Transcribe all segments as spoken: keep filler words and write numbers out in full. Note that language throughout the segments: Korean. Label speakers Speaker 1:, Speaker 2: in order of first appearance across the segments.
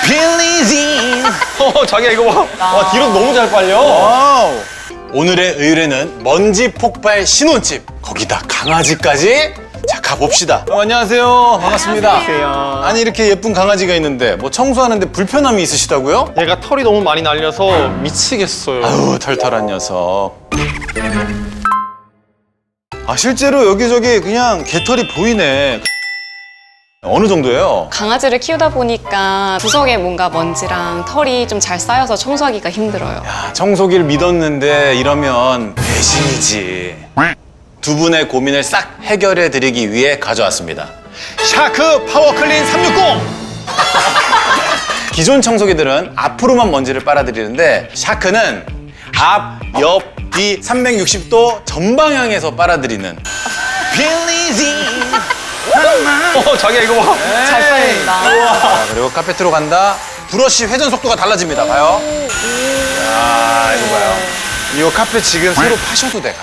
Speaker 1: 빌리진.
Speaker 2: 어, 자기야 이거 봐. 와, 뒤로 너무 잘 빨려.
Speaker 1: 와우. 오늘의 의뢰는 먼지 폭발 신혼집. 거기다 강아지까지. 자, 가봅시다. 어, 안녕하세요. 반갑습니다.
Speaker 2: 안녕하세요.
Speaker 1: 아니, 이렇게 예쁜 강아지가 있는데 뭐 청소하는데 불편함이 있으시다고요?
Speaker 2: 얘가 털이 너무 많이 날려서 미치겠어요.
Speaker 1: 아우, 털털한 녀석. 아, 실제로 여기저기 그냥 개털이 보이네. 어느 정도예요?
Speaker 3: 강아지를 키우다 보니까 구석에 뭔가 먼지랑 털이 좀 잘 쌓여서 청소하기가 힘들어요.
Speaker 1: 야, 청소기를 믿었는데 이러면 배신이지. 두 분의 고민을 싹 해결해 드리기 위해 가져왔습니다. 샤크 파워클린 삼백육십! 기존 청소기들은 앞으로만 먼지를 빨아들이는데 샤크는 앞, 옆, 뒤 삼백육십 도 전방향에서 빨아들이는 빌리진.
Speaker 2: 어, 자기야 이거 봐.
Speaker 3: 잘 빨린다.
Speaker 1: 자, 그리고 카페트로 간다. 브러쉬 회전 속도가 달라집니다. 봐요. 야, 이거 봐요. 이거 카페 지금 새로 파셔도 돼.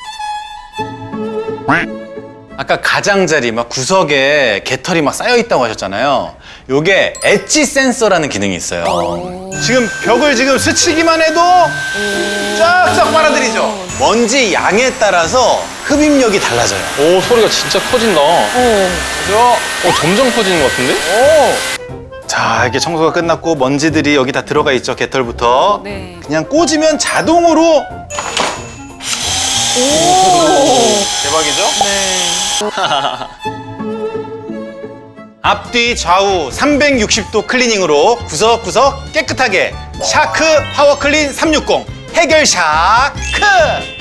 Speaker 1: 아까 가장자리 막 구석에 개털이 막 쌓여 있다고 하셨잖아요. 요게 엣지 센서라는 기능이 있어요. 지금 벽을 지금 스치기만 해도 쫙쫙 빨아들이죠. 먼지 양에 따라서 흡입력이 달라져요.
Speaker 2: 오, 소리가 진짜 커진다. 어,
Speaker 1: 그죠?
Speaker 2: 점점 커지는 것 같은데?
Speaker 1: 오. 자, 이렇게 청소가 끝났고 먼지들이 여기 다 들어가 있죠. 개털부터.
Speaker 3: 네.
Speaker 1: 그냥 꽂으면 자동으로. 대박이죠?
Speaker 3: 네.
Speaker 1: 앞뒤 좌우 삼백육십 도 클리닝으로 구석구석 깨끗하게 샤크 파워클린 삼백육십 해결 샤크!